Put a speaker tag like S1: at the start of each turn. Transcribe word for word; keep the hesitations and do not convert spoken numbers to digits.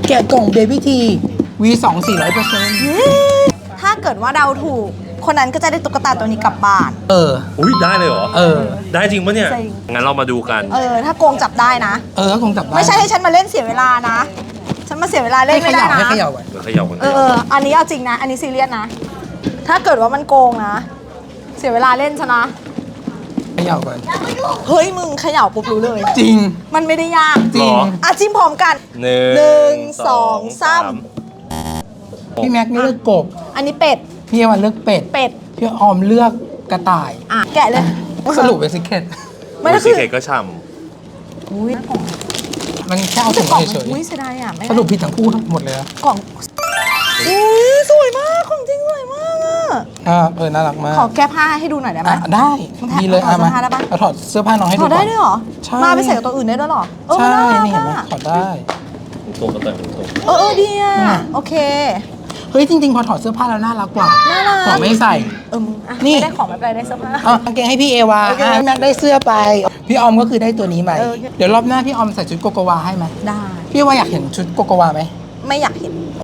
S1: แกะกล่องเบบี้ที วี สอง สี่ร้อยเปอร์เซ็นต์
S2: ถ้าเกิดว่าเดาถูกคนนั้นก็จะได้ตุ๊กตาตัวนี้กลับบ้าน
S1: เออ
S3: อุ้ยได้เลยเหรอ
S1: เออ
S3: ได้จริงปะเนี่ย
S2: จริง
S3: งั้นเรามาดูกัน
S2: เออถ้าโกงจับได้นะ
S1: เออก็คงจับได้
S2: ไม่ใช่ให้ฉันมาเล่นเสียเวลานะ ฉันมาเสียเวลาเล่
S1: ให้
S2: น
S1: เข
S2: ไม่ได้
S1: ย่า
S2: นะ
S1: ให้เขย่าก่อน
S3: เดี๋ยวเขย่ากัน
S2: เออเอออันนี้เอาจริงนะ อันนี้ซีเรียสนะ ถ้าเกิดว่ามันโกงนะ เสียเวลาเล่นชนะ
S1: เขย่าก่อน
S2: เฮ้ยมึงเขย่าปุ๊บรู้เลย
S1: จริง
S2: มันไม่ได้ยาก
S1: จริง
S2: อ่ะจิ้มพร้อมกัน
S3: หนึ่
S2: หนึ่ง
S3: ง
S2: สองสาม
S1: พี่แม็กนี่เลือกกบ
S2: อันนี้เป็ด
S1: พี่อวันเลือกเป็ด
S2: เป็ด
S1: พี่ออมเลือกกระต่าย
S2: อ่ะแกะเลย
S1: สรุปเป็นซิกเก็ต
S2: ไม่ก็
S3: ซี
S2: คือ
S3: เคก็ช่
S2: อุ้ยกล่อง
S1: มันแค่เอา
S2: แต่
S1: ถุง
S2: กล่อง
S1: เฉ
S2: มัน
S1: ย
S2: อุ้ยเสียดายอ่ะไม่
S1: ๆส
S2: ได้
S1: รุปผิดทั้งคู่ทั้งหมดเลยนะ
S2: กล่องอุ้ยสวยมากของจริงสวยมากอ่ะ
S1: อ่าเออน่ารักมาก
S2: ขอแก้ผ้าให้ดูหน่อยได้ไหม
S1: อ่ะได้
S2: มึงถ่าย
S1: ดีเลย
S2: ถอด
S1: อ่ะมา
S2: เสื้อผ้าได้ปะ
S1: เราถอดเสื้อผ้าน้องให้
S2: ถ
S1: ดู
S2: อดได้ด้วยเหรอ
S1: ใช่
S2: มาไปใส่กับตัวอื่นได้ด้วยเหรอเออ
S1: ใช่
S2: น่ารัก
S1: นี่เห็นไหม
S2: อ่ะ
S1: ถอดได้
S3: ำตัวกระต่ายเป็นตัว
S2: เออเออดีอ่ะ
S1: อืม
S2: โอเค
S1: เฮ้ยจริงๆพอถอดเสื้อผ้าแล้วน่ารักกว่า
S2: น่ารัก
S1: ของไม่ใส่
S2: เออมึงอ่ะ
S1: นี่
S2: ไม่ได้ของไม่เป็นไรได้เสื้อผ้า
S1: เอากางเกงให้พี่เอวา
S2: โอเค
S1: อ่ะพี่แม็กได้เสื้อไป พี่ออมก็คือได้ตัวนี้ไป
S2: เออโอเค
S1: เดี๋ยวรอบหน้าพี่ออมใส่ชุดโกโกวาให้ไหม
S2: ได้
S1: พี่ว่าอยากเห็นชุดโกโกวาไหม
S2: ไม่อยากเห็น